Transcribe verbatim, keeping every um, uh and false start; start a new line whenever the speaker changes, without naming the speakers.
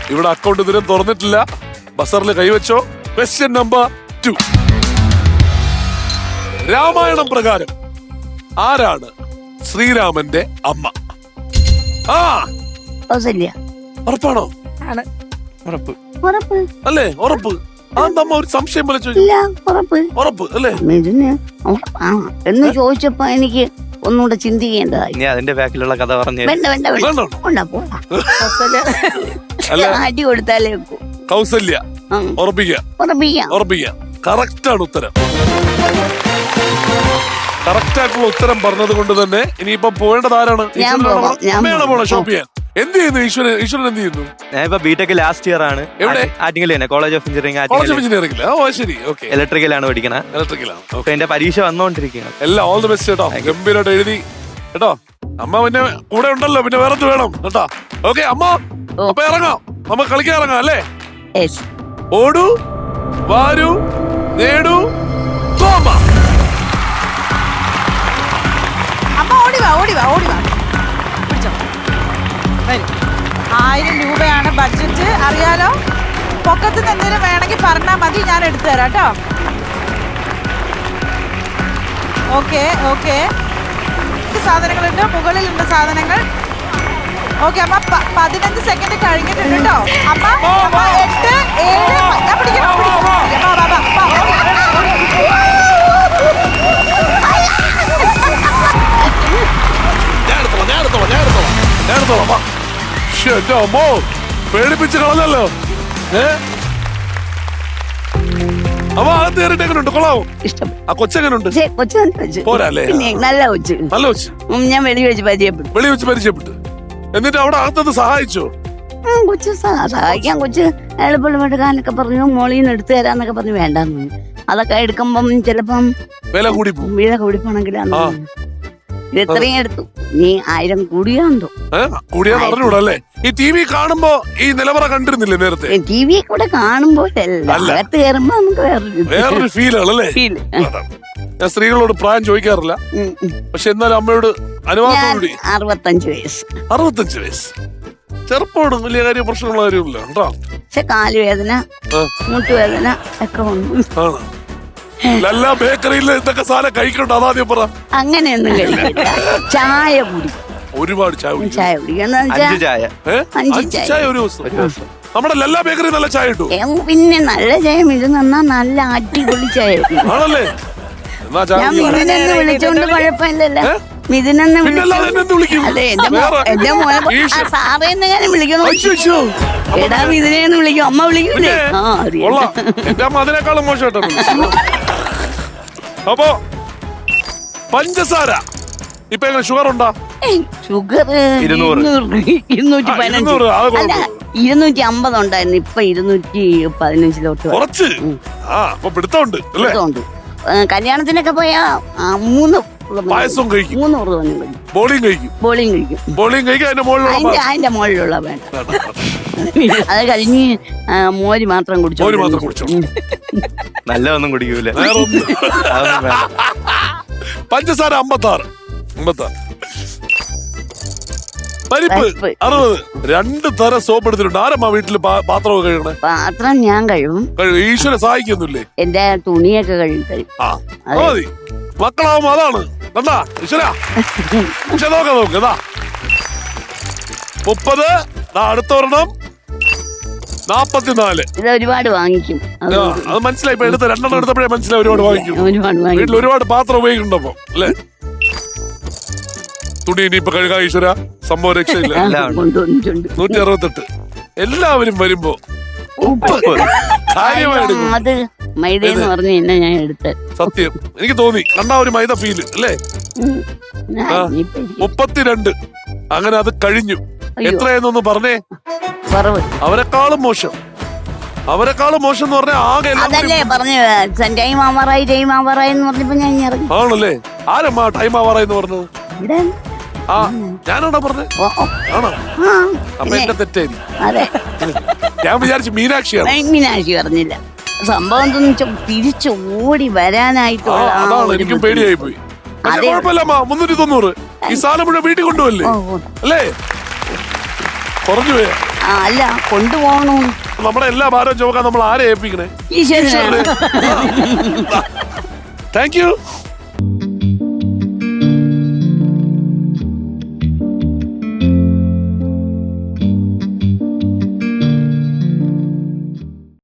ഇവിടെ അക്കൗണ്ട് ഇതിനും തുറന്നിട്ടില്ല. ബസറിൽ കൈവച്ചോ. Question number two. രാമായണം പ്രകാരം ആരാണ് ശ്രീരാമന്റെ അമ്മ? ആ ഉറപ്പാണോ?
ഉറപ്പ്
അല്ലേ? ഉറപ്പ്. അതെന്തമ്മ ഒരു സംശയം പോലെ ഉറപ്പ് അല്ലേ
എന്ന് ചോദിച്ചപ്പോ എനിക്ക് ഒന്നുകൂടെ ചിന്തിക്കേണ്ടതായി.
അതിന്റെ ബാക്കിലുള്ള കഥ പറഞ്ഞു.
വേണ്ട വേണ്ട അടി കൊടുത്താലേ
കൗസല്യ. ഉറപ്പിക്കാം
ഉറപ്പിക്കാം
ഉറപ്പിക്കാം. കറക്റ്റ് ആണ് ഉത്തരം. കറക്റ്റ് ആയിട്ടുള്ള ഉത്തരം പറഞ്ഞത് കൊണ്ട് തന്നെ ഇനിയിപ്പോ പോവേണ്ടത് ആരാണ്? അമ്മയാണ് പോണ ഷോപ്പ് ചെയ്യാൻ. എന്ത് ചെയ്യുന്നു ഈശ്വരൻ? ഈശ്വരൻ എന്ത് ചെയ്യുന്നു?
ഞാൻ ഇപ്പൊ ബിടെക് ലാസ്റ്റ് ഇയർ ആണ്.
എവിടെ?
ആറ്റിങ്ങൽ തന്നെ, college of engineering.
College of engineering. ഓ ശരി, ഓക്കെ.
ഇലക്ട്രിക്കലാണ് പഠിക്കണത്.
ഇലക്ട്രിക്കലാണ്.
എന്റെ പരീക്ഷ വന്നോണ്ടിരിക്കുകയാണ്.
എല്ലാം ഓൾ ദി ബെസ്റ്റ് കേട്ടോ. ഗംഭീരമായിട്ട് എഴുതി കേട്ടോ. അമ്മ പിന്നെ കൂടെ ഉണ്ടല്ലോ, പിന്നെ വേറെ വേണം കേട്ടോ. ഓക്കെ അമ്മ, അപ്പൊ ഇറങ്ങാം, നമ്മ കളിക്കാൻ ഇറങ്ങാം അല്ലേ? ഓടൂ വാരൂ നേടൂ തോമ.
അമ്മ ഓടിവാ ഓടിവാ ഓടിവാ. ആയിരം രൂപയാണ് ബഡ്ജറ്റ്, അറിയാലോ. പൊക്കത്ത് നിന്ന് എന്തെങ്കിലും വേണമെങ്കിൽ പറഞ്ഞാൽ മതി, ഞാൻ എടുത്തു തരാം കേട്ടോ. Okay okay. സാധനങ്ങളുണ്ട്, മുകളിലുണ്ട് സാധനങ്ങൾ. ഓക്കെ അമ്മ, പതിനഞ്ച് സെക്കൻഡ് കഴിഞ്ഞിട്ടുണ്ട് കേട്ടോ. അമ്മ അമ്മ എട്ട് ഏഴ് ഞാൻ പിടിക്കണം
പേടിപ്പിച്ച് കളഞ്ഞല്ലോ. ഏ അവ അകത്ത് കയറിട്ട് എങ്ങനെയുണ്ട്? കൊള്ളാവോ?
ഇഷ്ടം.
ആ കൊച്ചെങ്ങനുണ്ട്? പോരല്ലേ?
നല്ല കൊച്ച്.
നല്ല കൊച്ച്.
ഞാൻ വെളി വെച്ച് പരിചയപ്പെട്ടു.
വെളി വെച്ച് പരിചയപ്പെട്ടു. എന്നിട്ട് അവിടെ അകത്തത് സഹായിച്ചോ?
കൊച്ചു സഹായിക്കാൻ കൊച്ചു എളുപ്പമുള്ള കാനൊക്കെ പറഞ്ഞു, മോളീന്ന് എടുത്തു തരാന്നൊക്കെ പറഞ്ഞു. വേണ്ടെന്ന്. അതൊക്കെ എടുക്കുമ്പം ചിലപ്പം
വില കൂടി പോകും.
വില കൂടി പോണെങ്കിലാന്ന് ഇത്രയും എടുത്തു. നീ ആയിരം കൂടിയാന്തോ?
കൂടിയാന്ന് അറിഞ്ഞൂടല്ലേ? ഈ ടി വി കാണുമ്പോ ഈ നിലവറ കണ്ടിരുന്നില്ലേ നേരത്തെ?
ടി വി കൂടെ കാണുമ്പോ അകത്ത് കയറുമ്പോ നമുക്ക്
വേറൊരു ഫീൽ ആണല്ലേ? ഞാൻ സ്ത്രീകളോട് പ്രായം ചോദിക്കാറില്ല, പക്ഷെ എന്നാലും അമ്മയോട് അനുവാദത്തോടുകൂടി.
അറുപത്തഞ്ച് വയസ്സ്.
അറുപത്തഞ്ച് വയസ്സ് ചെറുപ്പോട് വലിയ കാര്യം പ്രശ്നമുള്ള കാര്യമില്ല കേട്ടോ.
പക്ഷെ കാലുവേദന മുട്ടുവേദന ഒക്കെ ഉണ്ട്.
ആണ്. എല്ലാ ബേക്കറിയിൽ ഇതൊക്കെ സാധനം കഴിക്കണ്ട, അതാദ്യം പറ.
അങ്ങനെയൊന്നും കഴിക്കില്ല. ചായ കുടി,
ഒരുപാട് ചായ കുടി.
ചായ കുടിക്കുന്ന
ചായ
അഞ്ച് ചായ ഒരു ദിവസം. നമ്മുടെ എല്ലാ ബേക്കറി നല്ല ചായ കിട്ടും.
പിന്നെ നല്ല ചായ ഇത് നന്നാ നല്ല അടിപൊളി ചായ
ആണല്ലേ?
ഞാൻ മിഥുനെന്ന് വിളിച്ചോണ്ട് കുഴപ്പമില്ലല്ലോ. മിഥുനെന്ന് വിളിക്കും. അതെ, എന്റെ മോനെ സാറേന്ന് ഞാൻ വിളിക്കണം. എടാ മിഥുനെന്ന് വിളിക്കും, അമ്മ വിളിക്കൂലേ?
എന്റെ അമ്മ അതിനേക്കാളും മോശമായിട്ടാണ്. അപ്പോ പഞ്ചസാര ഇപ്പൊ എങ്ങനെ ഷുഗർ ഉണ്ടോ?
ഷുഗർ ഇരുന്നൂറ്റി പതിനഞ്ച് അല്ല ഇരുന്നൂറ്റി അമ്പത് ഉണ്ടായിരുന്നു. ഇപ്പൊ ഇരുന്നൂറ്റി പതിനഞ്ചിലോട്ട്
കുറച്ച്. പിടുത്തമുണ്ട്.
കല്യാണത്തിനൊക്കെ പോയാ മൂന്ന്
പായസം കഴിക്കും,
മൂന്ന് ഉറുവനും
ബോളിയും കഴിക്കും.
ബോളിയും കഴിക്കും.
ബോളിയും കഴിക്കും. അതിന്റെ മുകളിലുള്ള
അതിന്റെ മുകളിലുള്ള വേണ്ട. അത് കഴിഞ്ഞ് മോര് മാത്രം കുടിച്ചു.
മോര് മാത്രം കുടിച്ചോ.
നല്ലതൊന്നും കുടിക്കൂല.
പഞ്ചസാര അമ്പത്താറ് അമ്പത്താറ് പരിപ്പ് അറുപത്. രണ്ട് തരം സോപ്പ് എടുത്തിട്ടുണ്ട്. ആരമ്മ വീട്ടില് പാത്രമൊക്കെ കഴുകണേ?
പാത്രം ഞാൻ കഴിവും.
ഈശ്വര സഹായിക്കൊന്നുമില്ലേ?
എന്റെ തുണിയൊക്കെ കഴുകി കഴിയും.
ആ മതി. മക്കളാവുമ്പോ അതാണ് കണ്ടാ ഈശ്വര. പക്ഷെ നോക്ക നോക്ക് ഇതാ മുപ്പത്. അടുത്തൊരെണ്ണം നാപ്പത്തിനാല്.
ഇത് ഒരുപാട് വാങ്ങിക്കും.
അത് മനസ്സിലായി. ഇപ്പൊ എടുത്ത രണ്ടെണ്ണം എടുത്തപ്പോഴേ മനസ്സിലായി ഒരുപാട് വാങ്ങിക്കും.
ഒരുപാട്
വീട്ടിൽ ഒരുപാട് പാത്രം ഉപയോഗിക്കുന്നുണ്ടപ്പോ അല്ലേ? തുണി ഇനിയിപ്പൊ കഴുകാ ഈശ്വര. സംഭവം രക്ഷയില്ല. നൂറ്റി അറുപത്തെട്ട്. എല്ലാവരും വരുമ്പോ
അത് മൈദ എന്ന് പറഞ്ഞു തന്നെ ഞാൻ എടുത്ത്.
സത്യം എനിക്ക് തോന്നി കണ്ടാ ഒരു മൈദ ഫീല് അല്ലേ? മുപ്പത്തിരണ്ട്. അങ്ങനെ അത് കഴിഞ്ഞു. എത്രയെന്നൊന്ന് പറഞ്ഞേ. അവരെക്കാളും മോശം. അവരെക്കാളും മോശം എന്ന് പറഞ്ഞാൽ ആകെ
അതല്ലേ പറഞ്ഞു. ടൈം ആവാറായി ടൈം ആവാറായി എന്ന് പറഞ്ഞപ്പോ ഞാൻ ഇറങ്ങി.
ആണല്ലേ? ആരമ്മാ ടൈം ആവാറായി എന്ന് പറഞ്ഞത്? ആ ഞാനാണോ പറഞ്ഞത്? ആണോ? അപ്പൊ എന്റെ തെറ്റായി. ഞാൻ വിചാരിച്ചു മീനാക്ഷിയാണ്.
മീനാക്ഷി പറഞ്ഞില്ല. സംഭവം എന്താണെന്ന് തിരിച്ചു ഓടി വരാനായിട്ടുള്ള
അതാണ്. എനിക്കും പേടിയായി പോയി. കുഴപ്പമില്ലമ്മ. മുന്നൂറ്റി തൊണ്ണൂറ് ഈ സാധനം മുഴുവൻ വീട്ടിൽ കൊണ്ടുപോകല്ലേ അല്ലേ? കുറഞ്ഞു പോയാ
ആ അല്ല കൊണ്ടുപോകണു.
നമ്മുടെ എല്ലാ ഭാരവും ചുമക്കാൻ നമ്മൾ ആരെ ഏൽപ്പിക്കണേ?
ഈശ്വരനെ.
Thank U.